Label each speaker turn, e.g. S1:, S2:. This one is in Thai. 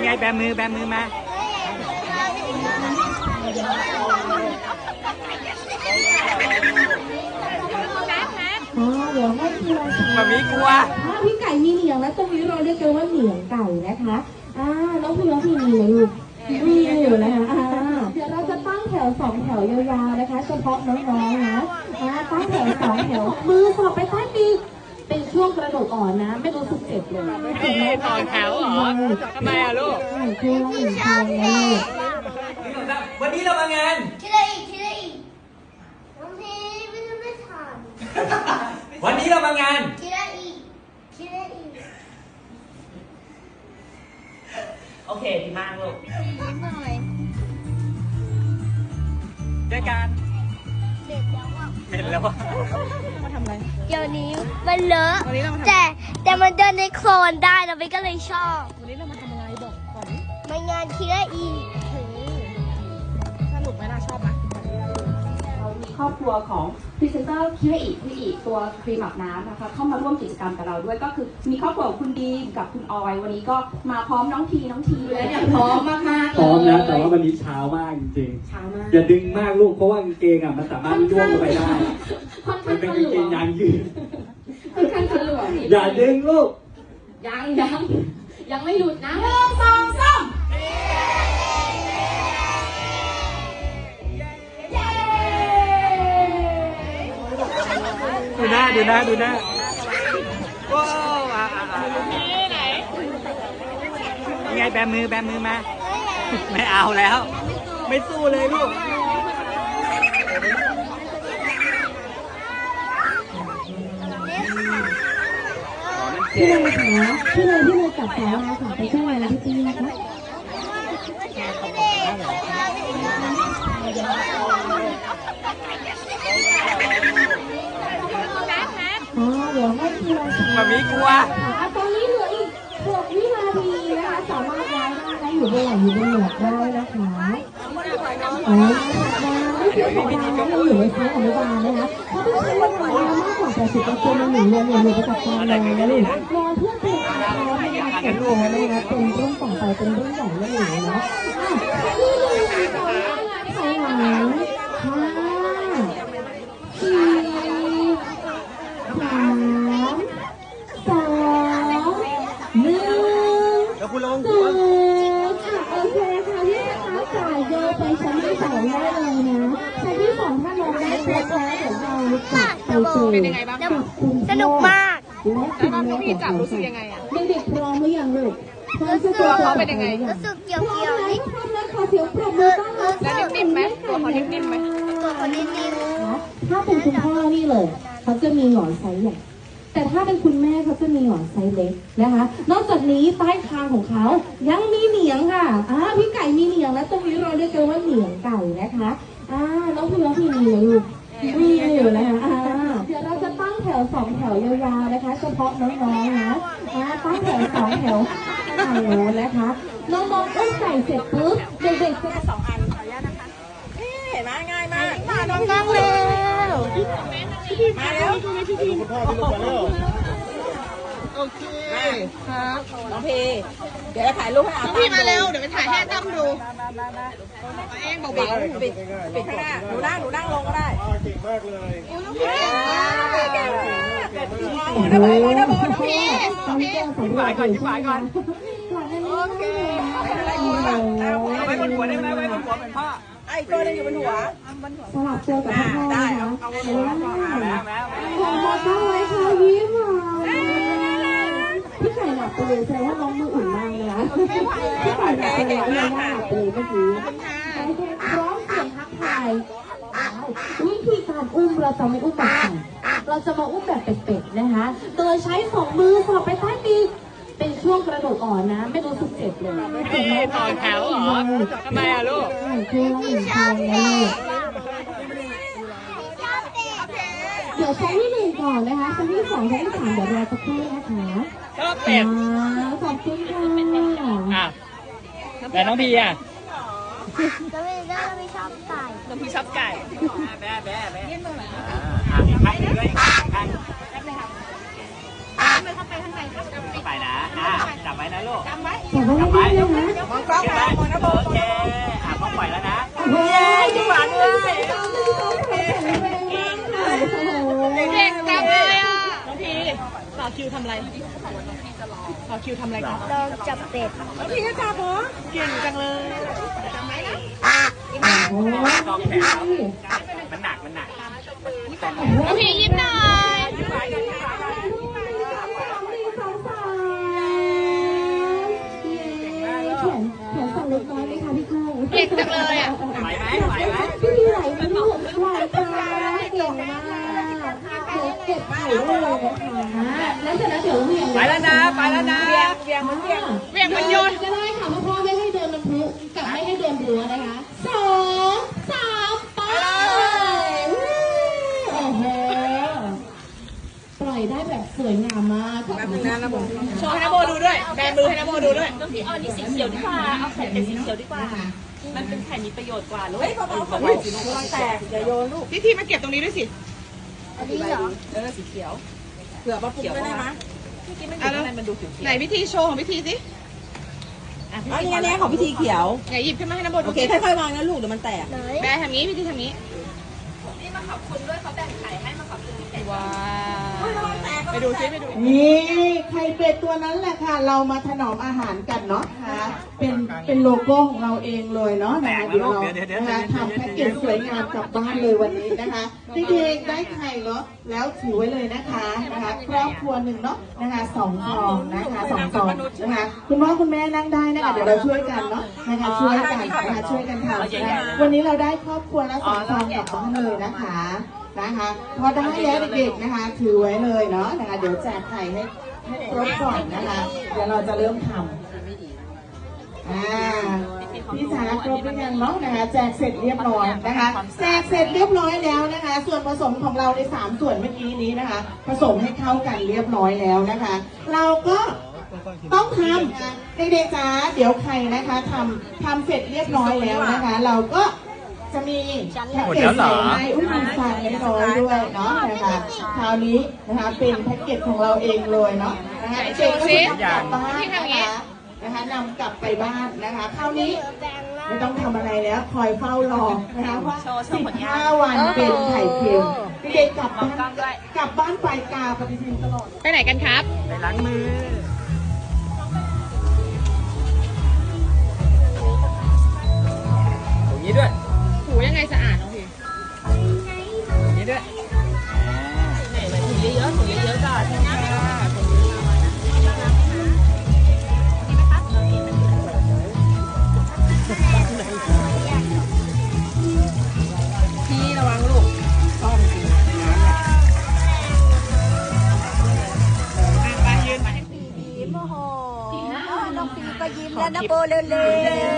S1: ไงแบมือมา
S2: เดี๋ยวให้พี่เรา
S1: มามีกลัว
S2: พี่ไก่มีเหนียงแล้วตรงนี้เราเรียกกันว่าเหนียงไก่นะคะน้องพี่มีไหมลูกมีอยู่นะคะเดี๋ยวเราจะตั้งแถว2แถวยาวๆนะคะเฉพาะน้องๆนะตั้งแถว2แถวมือสอบไปใต้ปีกเป็นช่วงกระโดดอ่อนนะไม่รู้สึกเจ็บเลย
S1: ต่อแถวเหรอทำไมอะลูกวันนี้เรามางานวันนี้เรามางานโอเคดีมากลูกเจอกันเหม็นแล้ววะ
S3: มาทำอะไรเดี๋ยวนี้มันเลอะแต่มันเดินในโคลนได้นะพี่ก็เลยชอบ
S4: วันนี้เรามาทำอะไรบอกก่อน
S3: มางานคิระอี
S4: สนุกไหมล่ะชอบไหม
S2: เรามีครอบครัวของพรีเซนเตอร์คิระอิตัวครีมอาบน้ำนะคะเข้ามาร่วมกิจกรรมกับเราด้วยก็คือมีครอบครัวของคุณดีมกับคุณออยวันนี้ก็มาพร้อมน้องทีเลยเนี่ยพร้อมมากๆ
S5: พร้อมนะแต่ว่าวันนี้เช้ามากจริงๆอย่าดึงมากลูกเพราะว่ากางเกงมันสามารถย่วงลงไปได้มันเป็นกางเกงยางยืด
S2: ค่อนข้างทะลวง
S5: อย่าดึงลูก
S2: ยังไม่หลุดนะ1 2 3
S1: ดูหน้าว้าวไงแบมือมาไม่เอาแล้วไม่สู้เลยลูก
S2: พี่เลยจับแถวมาค่ะไปช่วยอะไรพี่ตีนะคะเดี๋ยวให้พี่เรา
S1: มามีกลัว
S2: ตอนนี้เหลืออีก6 วินาทีนะคะสามารถย้ายได้อยู่บนหลังอยู่บนหมวกได้นะคะเดี๋ยวพี่ตีก็อยู่ในชั้นอนุบาลนะคะถ้าพี่ใช้เวลามากกว่า80%ใน1 เดือนอย่าลืมไปจัดการเลยนะลูกรอเพื่อเป็นการในการเก็บตัวนะคะเป็นเรื่องต่อไปเป็นเรื่องใหญ่เรื่องหนึ่งนะถอยหลัง5
S1: แล้วคุณลง
S2: โอเคค่ะพี่คะจ่ายเยอะไปชั้นที่2ได้เลยนะชั้นที่2ถ้าลงได้ครบแล้วเดี๋ยวเรา
S3: เป็นยังไงบ้างสนุกมาก
S4: แล้วน้องพี่จับรู้สึกยังไงอ่ะ
S2: เด็กๆพร้อมหรือยังลูก
S3: ตัว
S4: เขาเป็นยังไง
S3: รู้สึกเกี่ยว
S2: พร้อมแล้วขอเสียงปรบมือต้อนรับ
S4: แล้วนิ่มๆไหมตัวเขานิ่มๆไหม
S3: ตัวเขานิ่ม
S2: ถ้าเป็นคุณพ่อนี่เลยเขาจะมีหงอนไซส์ใหญ่แต่ถ้าเป็นคุณแม่เขาจะมีหงอนไซส์เล็กนะคะนอกจากนี้ใต้คางของเขายังมีเหนียงค่ะพี่ไก่มีเหนียงและตรงนี้เราเรียกกันว่าเหนียงไก่นะคะน้องพี่มีเลยลูกมีอยู่นะคะเดี๋ยวเราจะตั้งแถว2แถวยาวๆนะคะเฉพาะน้องๆนะตั้งแถว2แถวฝั่งโน้นนะคะน้องๆอุ้มไก่เสร็จปุ๊บเด็กๆจะ
S4: 2 อันขออนุญาตนะคะเห็นไหมง่ายมาก
S3: มาน้องๆเร็ว
S4: มาเร็วคุณพ่อพี่ลูกมาเร็วโอเคครับน้องพีเดี๋ยวถ่ายรูปให้อาพี่มาเร็วเดี๋ยวไปถ่ายให้ตั้มดูเองบอกปิดข้างหน้าหนูนั่งลงก็ได้เก่งมากเลยเก่งมากน้องพี
S1: ฝ่ายก่อนโอเคไว้บนหัวได้ไหมไว้บนหัวเป็นพ่อ
S4: ไอ้ตัวนึงอยู่บนหัว
S2: สลับตัวกับพ่อ
S4: ได้เอาบนหัว
S1: แล้ว
S2: ขอตั้งไว้ค่ะยิ้มพี่ไก่หลับไปเลยแสดงว่าน้องมืออุ่นมากเลยนะพี่ไก่หลับไปเลยไม่น่าหลับไปเลยเมื่อกี้พร้อมเสียงทักทายวิธีการอุ้มเราจะไม่อุ้มแบบไก่เราจะมาอุ้มแบบเป็ดๆนะคะโดยใช้2 มือสอบไปใต้ปีกเป็นช่วงกระโดดอ่อนนะไม่รู้สึกเจ็บเลย
S1: ต่อแถวเหรอทำไมอะลูก
S2: เดี๋ยวชั้นที่1ก่อนนะคะชั้นที่2ชั้นที่3เดี๋ยวรอสักครู่นะคะ
S1: ชอบเป็ด
S2: ขอบคุณ
S1: ค่ะแต่น้องพีอ่ะ
S3: ก็ไม่ชอบไก่
S4: น้องพีชอบไก่
S1: แบ๊ยื่นมือหน่อยอีกข้างนึงด้วยข้างไปนะจับไว้นะลูก
S4: จำไว้
S2: จับไว้
S1: จับไว้
S2: ให้ได้นะ
S4: มองกล้องมามองนะโบ
S1: โอเคพ่อปล่อยแล้วนะ
S2: เฮ้ย
S4: หวานด้วย
S2: เก่งจังเลยอ่ะ
S4: น้องพีต่อคิวทำอะไรต่อคิวทำอะไรกัน
S3: ลองจับเป็ด
S4: น้องพีก็จับเหรอเก่งจังเลยจำไว้นะ
S2: โอ้ย
S1: กองแขนมันหนักแต่
S3: น้องพียิ้มหน่อย
S2: แขนสั่นเล็กน้อยไหมคะพี่กุ้ง
S3: เก่งจังเลยอ่ะ
S1: ไหวไหมไหวไหม
S2: พี่พีไหวไหมลูกไหวค่ะเก่งมากเก็บไข่ได้เลยนะคะแล้วเสร็จแล้วเดี๋ยวเหวี่ยง
S1: ไปแล้วนะไปแล้วนะ
S4: เวียงมันเวียง
S2: เหวี่ยงมันโยนก็ได้ค่ะเพราะพ่อไม่ให้เดินลำพุกับไม่ให้เดินรั้วนะคะ2 3ไปโอ้โหปล่อยได้แบบสวยงามมาก
S4: แป๊บนึงนะนะโบโชว์ให้นะโบดูด้วยแบมือให้นะโบดูด้วย
S6: พี่เอานี่สีเขียวดีกว่า เอาไข่เป็ดสีเขียวดีกว่า มันเป็นไข่มีประโยชน์กว่าลูก
S4: เฮ้ยเบาๆลูกระวังแตกอย่าโยนลูกพี่ทีมาเก็บตรงนี้ด้วยสิ
S3: อันนี้เหรอ
S6: สีเขียว
S4: เผื่อมาปลุกด้วยได้ไหม
S6: เมื่อกี้มันอยู่ข้างในมันดูเขียว
S4: ไหนพิธีโชว์ของพิธีสิ
S6: ๆอ่ะ
S4: อ๋อนี่ของพิธีเขียวไหนหยิบขึ้นมาให้นะโบดูโอเคค่อยๆวางนะลูกเดี๋ยวมันแตก
S3: ไหน
S4: แบทำงี้พิธีทำงี้
S6: นี่มาขอบคุณด้วยเขาแบ่งไข่ให้มาขอบคุณพี่เป็ด
S4: ว้าวไปดูซิไปดู
S7: นี่ไข่เป็ดตัวนั้นแหละค่ะ เรามาถนอมอาหารกันเนาะนะคะเป็นโลโก้ของเราเองเลยเนาะนะคะเดี๋ยวเรานะคะทำแพ็กเกจสวยงามกลับบ้านเลยวันนี้นะคะเด็กๆได้ไข่เนาะแล้วถือไว้เลยนะคะครอบครัวหนึ่งเนาะนะคะ2 ฟองนะคะ2 ฟองนะคะคุณพ่อคุณแม่นั่งได้นะคะเดี๋ยวเราช่วยกันเนาะนะคะช่วยกันนะคะช่วยกันทำนะคะวันนี้เราได้ครอบครัวละ2 ฟองกลับบ้านเลยนะคะพอได้แล้วเด็กๆนะคะถือไว้เลยเนาะนะคะเดี๋ยวแจกไข่ให้ครบก่อนนะคะเดี๋ยวเราจะเริ่มทำพี่จ๋าครบหรือยังเนาะนะคะแจกเสร็จเรียบร้อยนะคะแจกเสร็จเรียบร้อยแล้วนะคะ ส่วนผสมของเราใน3 ส่วนเมื่อกี้นี้นะคะ ผสมให้เข้ากันเรียบร้อยแล้วนะคะ เราก็ต้องทำเด็กๆจ๋าเดี๋ยวใครนะคะทำเสร็จเรียบร้อยแล้วนะคะ เราก็จะมีแพ็กเกจใส่ให้อุ้ยมีฟางน้อยๆด้วยเนาะนะคะคราวนี้นะคะเป็นแพ็กเกจของเราเองเลยเนาะนะคะเด็กก็จะกลับบ้านนะคะนำกลับไปบ้านนะคะคราวนี้ไม่ต้องทำอะไรแล้วคอยเฝ้ารอนะคะว่า15 วันเป็นไข่เค็มเด็กกลับบ้านไปกาปฏิทินตลอด
S4: ไปไหนกันครับ
S1: ไปล้างมือตรงนี้ด้วย
S4: ถูยังไงสะอาดน้องพีนี่ด้วยถูเยอะๆถูเยอะๆก่อนพี่ระวังลูกซ่อมสิน้ำเนี่ยไปยืนไป
S3: ยิ้มโอ้โหน้องปีก็ยิ้มแล้วนะโบเร็ว